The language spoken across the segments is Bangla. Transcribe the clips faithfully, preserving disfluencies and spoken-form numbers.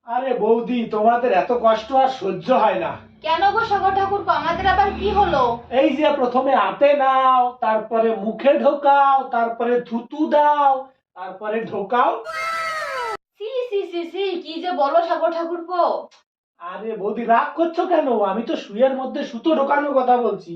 আরে বৌদি, তোমাদের এত কষ্ট আর সহ্য হয় না। কেন গো সাগর ঠাকুর, আমাদের আবার কি হলো? এই যে প্রথমে হাতে নাও, তারপরে মুখে ঢোকাও, তারপরে থুতু দাও, তারপরে ঢোকাও। সি সি সি সি, কি যে বলো সাগর ঠাকুর পো। আরে বৌদি, রাগ করছো কেন? আমি তো সুইয়ের মধ্যে সুতো ঢোকানোর কথা বলছি।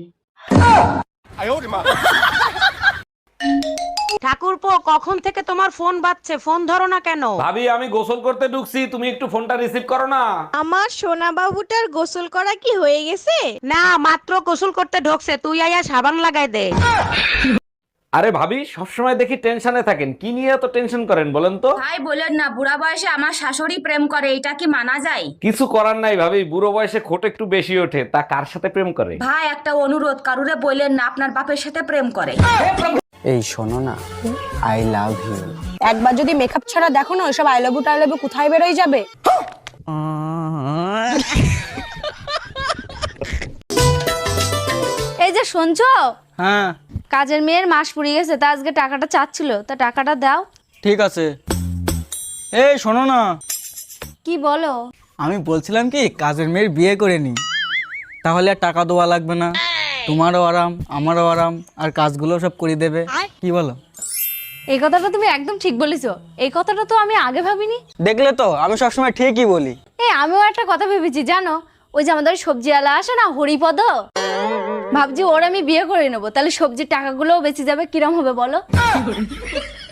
ঠাকুরপো, কখন থেকে তোমার ফোন বাজছে, ফোন ধরো না কেন? ভাবি, আমি গোসল করতে ঢুকছি, তুমি একটু ফোনটা রিসিভ করো না। আমার সোনা বাবুটার গোসল করা কি হয়ে গেছে? না, মাত্র গোসল করতে ঢোকছে, তুই আয়া সাবান লাগাই দে। আরে ভাবি, সবসময় দেখি টেনশনে থাকেন, কি নিয়ে এত টেনশন করেন বলেন তো? ভাই বলেন না, বুড়া বয়সে আমার শাশুড়ি প্রেম করে, এটা কি মানা যায়? কিছু করার নাই ভাবি, বুড়ো বয়সে খোট একটু বেশি ওঠে, তা কার সাথে প্রেম করে? ভাই একটা অনুরোধ, কারুরে বললেন না আপনার বাপের সাথে প্রেম করে। এই শোনো না, আই লাভ ইউ। একবার যদি মেকআপ ছাড়া দেখো না, ওইসব আই লাভ ইউ টাই লাভ ইউ কোথায় বেরোয় যাবে। এই যে শুনছো, হ্যাঁ কাজের মেয়ের মাস পুড়িয়ে গেছে, তা আজকে টাকাটা চাচ্ছিল, তা টাকাটা দাও। ঠিক আছে। এই শোনো না, কি বলো? আমি বলছিলাম কি, কাজের মেয়ের বিয়ে করে নি, তাহলে আর টাকা দেওয়া লাগবে না, তোমারও আরাম আমারও আরাম, আর কাজগুলো সব করে দেবে। কি বলো? এই কথাটা তুমি একদম ঠিক বলেছো, এই কথাটা তো আমি আগে ভাবিনি। দেখলে তো, আমি সবসময় ঠিকই বলি। এই আমিও একটা কথা ভেবেছি জানো, ওই যে আমাদের সবজিওয়ালা আসে না, হরিপদ, ভাবছি ওর আমি বিয়ে করে নেবো, তাহলে সবজির টাকাগুলোও বেঁচে যাবে, কিরম হবে বলো?